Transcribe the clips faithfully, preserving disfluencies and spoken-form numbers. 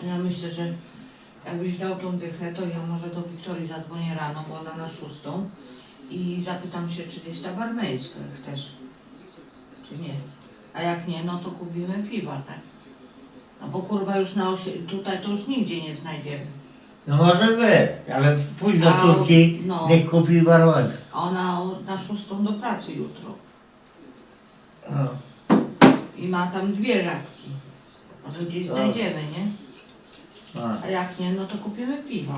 Ja myślę, że jakbyś dał tą dychę, to ja może do Wiktorii zadzwonię rano, bo ona na szóstą i zapytam się, czy jest ta barmańska, jak chcesz, czy nie. A jak nie, no to kupimy piwa, tak? No bo kurwa już na osie, tutaj to już nigdzie nie znajdziemy. No może być, ale pójdź do A, córki, no. niech kupi barmankę. A ona na szóstą do pracy jutro. No. I ma tam dwie żabki. Może gdzieś No. znajdziemy, nie? A. A jak nie, no to kupimy piwo.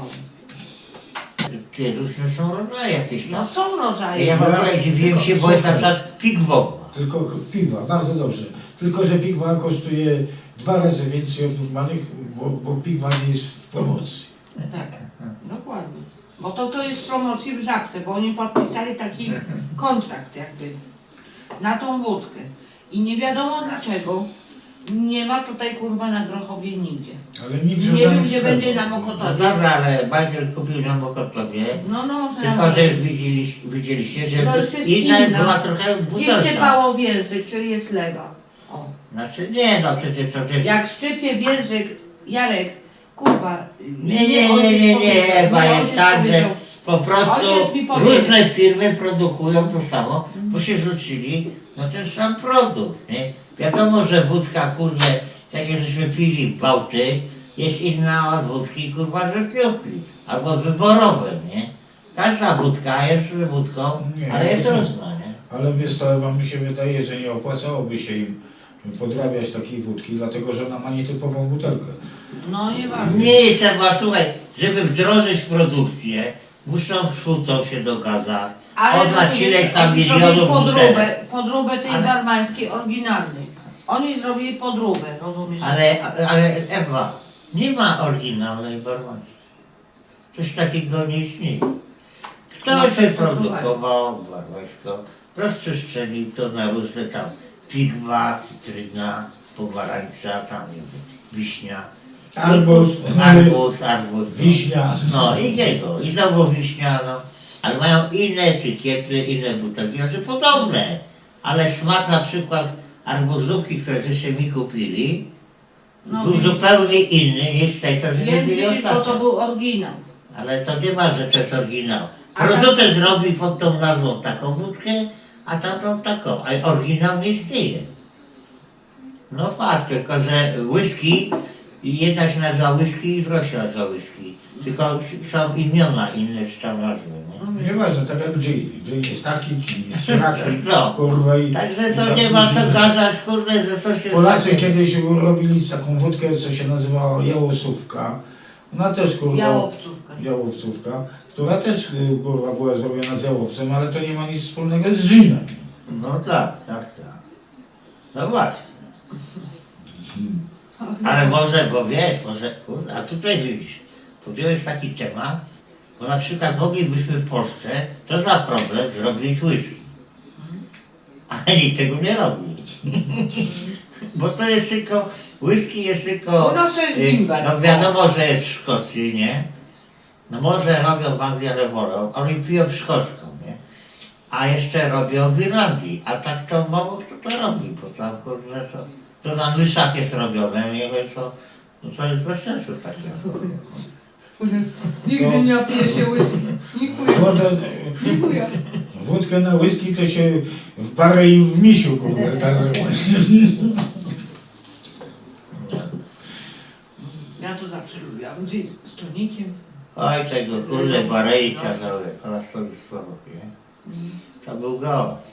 Ty, różne są rodzaje jakieś No tam. są rodzaje. Ja w ogóle dziwiłem się, bo jest na Słuchaj. przykład Pigbowa. Tylko piwa, bardzo dobrze. Tylko, że piwa kosztuje dwa razy więcej od normalnych, bo, bo piwa nie jest w promocji. Tak, dokładnie. Bo to, to jest w promocji w Żabce, bo oni podpisali taki kontrakt jakby na tą wódkę. I nie wiadomo dlaczego nie ma tutaj kurwa na Grochowie nigdzie. Ale nikt Nie wiem, gdzie sklepów. będzie na No Mokotowie. dobra, ale Bajtel kupił na Mokotowie. No, no, może na Tylko, że już widzieliście, widzieliście że To już jest inna inna. była trochę Jeszcze butelka. Pałowierzyk, czyli jest lewa. O. Znaczy nie, no przecież to też... Jak szczypie wierzyk, Jarek, kurwa. Nie, nie, nie, nie, nie, Ewa, jest tak, że po prostu Ojciec mi powiedział. różne firmy produkują to samo, bo się rzucili na ten sam produkt, nie? Wiadomo, że wódka, kurde, tak jak żeśmy pili Bałty, jest inna od wódki, kurwa, żeglówki, albo wyborowe, nie? Każda wódka jest wódką, Nie, ale jest to- różna, nie? Ale wiesz, to wam mi się wydaje, że nie opłacałoby się im podrabiać takiej wódki, dlatego że ona ma nietypową butelkę. No nieważne. Nie trzeba, słuchaj, żeby wdrożyć produkcję, muszą kłócą się dogadać, oddać ileś tam oni milionów zrobili butelek. podróbę, podróbę tej Ale- barmańskiej oryginalnej. Oni zrobili podróbę, rozumiesz? Ale, ale Ewa, nie ma oryginalnej barmanki. Coś takiego nie istnieje. No, Ktoś to wyprodukował barmańską, rozprzestrzenił to na różne tam pigma, cytryna, pomarańcza, tam nie wiem, wiśnia. Arbuz, arbuz, arbuz. wiśnia. No i jego, i znowu wiśnia, no. Ale mają inne etykiety, inne butelki, znaczy podobne. Ale smak na przykład arbuzówki, które żeście mi kupili, No, był widzisz. zupełnie inny niż tej, co żeśmy Więc mieli widzisz, bo to ostatnio. był oryginał. Ale to nie ma, że to jest oryginał. A Producent robi pod tą nazwą taką wódkę, a tamtą taką, a oryginał nie istnieje. No fakt, tylko że whisky, jedna się nazywa whisky i druga się nazywa whisky. Tylko są imiona inne czy tam nazwy, nie? Nieważne, tak jak Jay. Jay jest taki, czy jest środki, No. kurwa i... Także i to tak nie ma co ludzie- gadać, kurde, że to się... Polacy kiedyś robili taką wódkę, co się nazywała jałosówka. Ona też, kurwa... Jałowcówka. Jałowcówka, która też, y, kurwa, była zrobiona z jałowcem, ale to nie ma nic wspólnego z ginem. No tak, tak, tak. No właśnie. Ale może, bo wiesz, może, kurde, a tutaj widzisz, podjąłeś taki temat, bo na przykład moglibyśmy w Polsce, to za problem, zrobić whisky. Ale nikt tego nie robi. Bo to jest tylko, whisky jest tylko... U nas to jest y, bimber. No wiadomo, że jest w Szkocji, nie? No może robią w Anglii, ale wolą, oni piją w szkocką, nie? A jeszcze robią w Irlandii, a tak to mało kto to robi, bo tam kurde to, to na myszach jest robione, nie wiem co, no to jest bez sensu takie. Nigdy nie napije się whisky. Dziękuję. Wodę, Dziękuję. wódkę na whisky to się w parę i w misiu, kurwa, nazywa. Ja to zawsze lubiłam. Gin z tonikiem. Oj tego kurde Barei kazały, po raz słowo, nie? To był gość.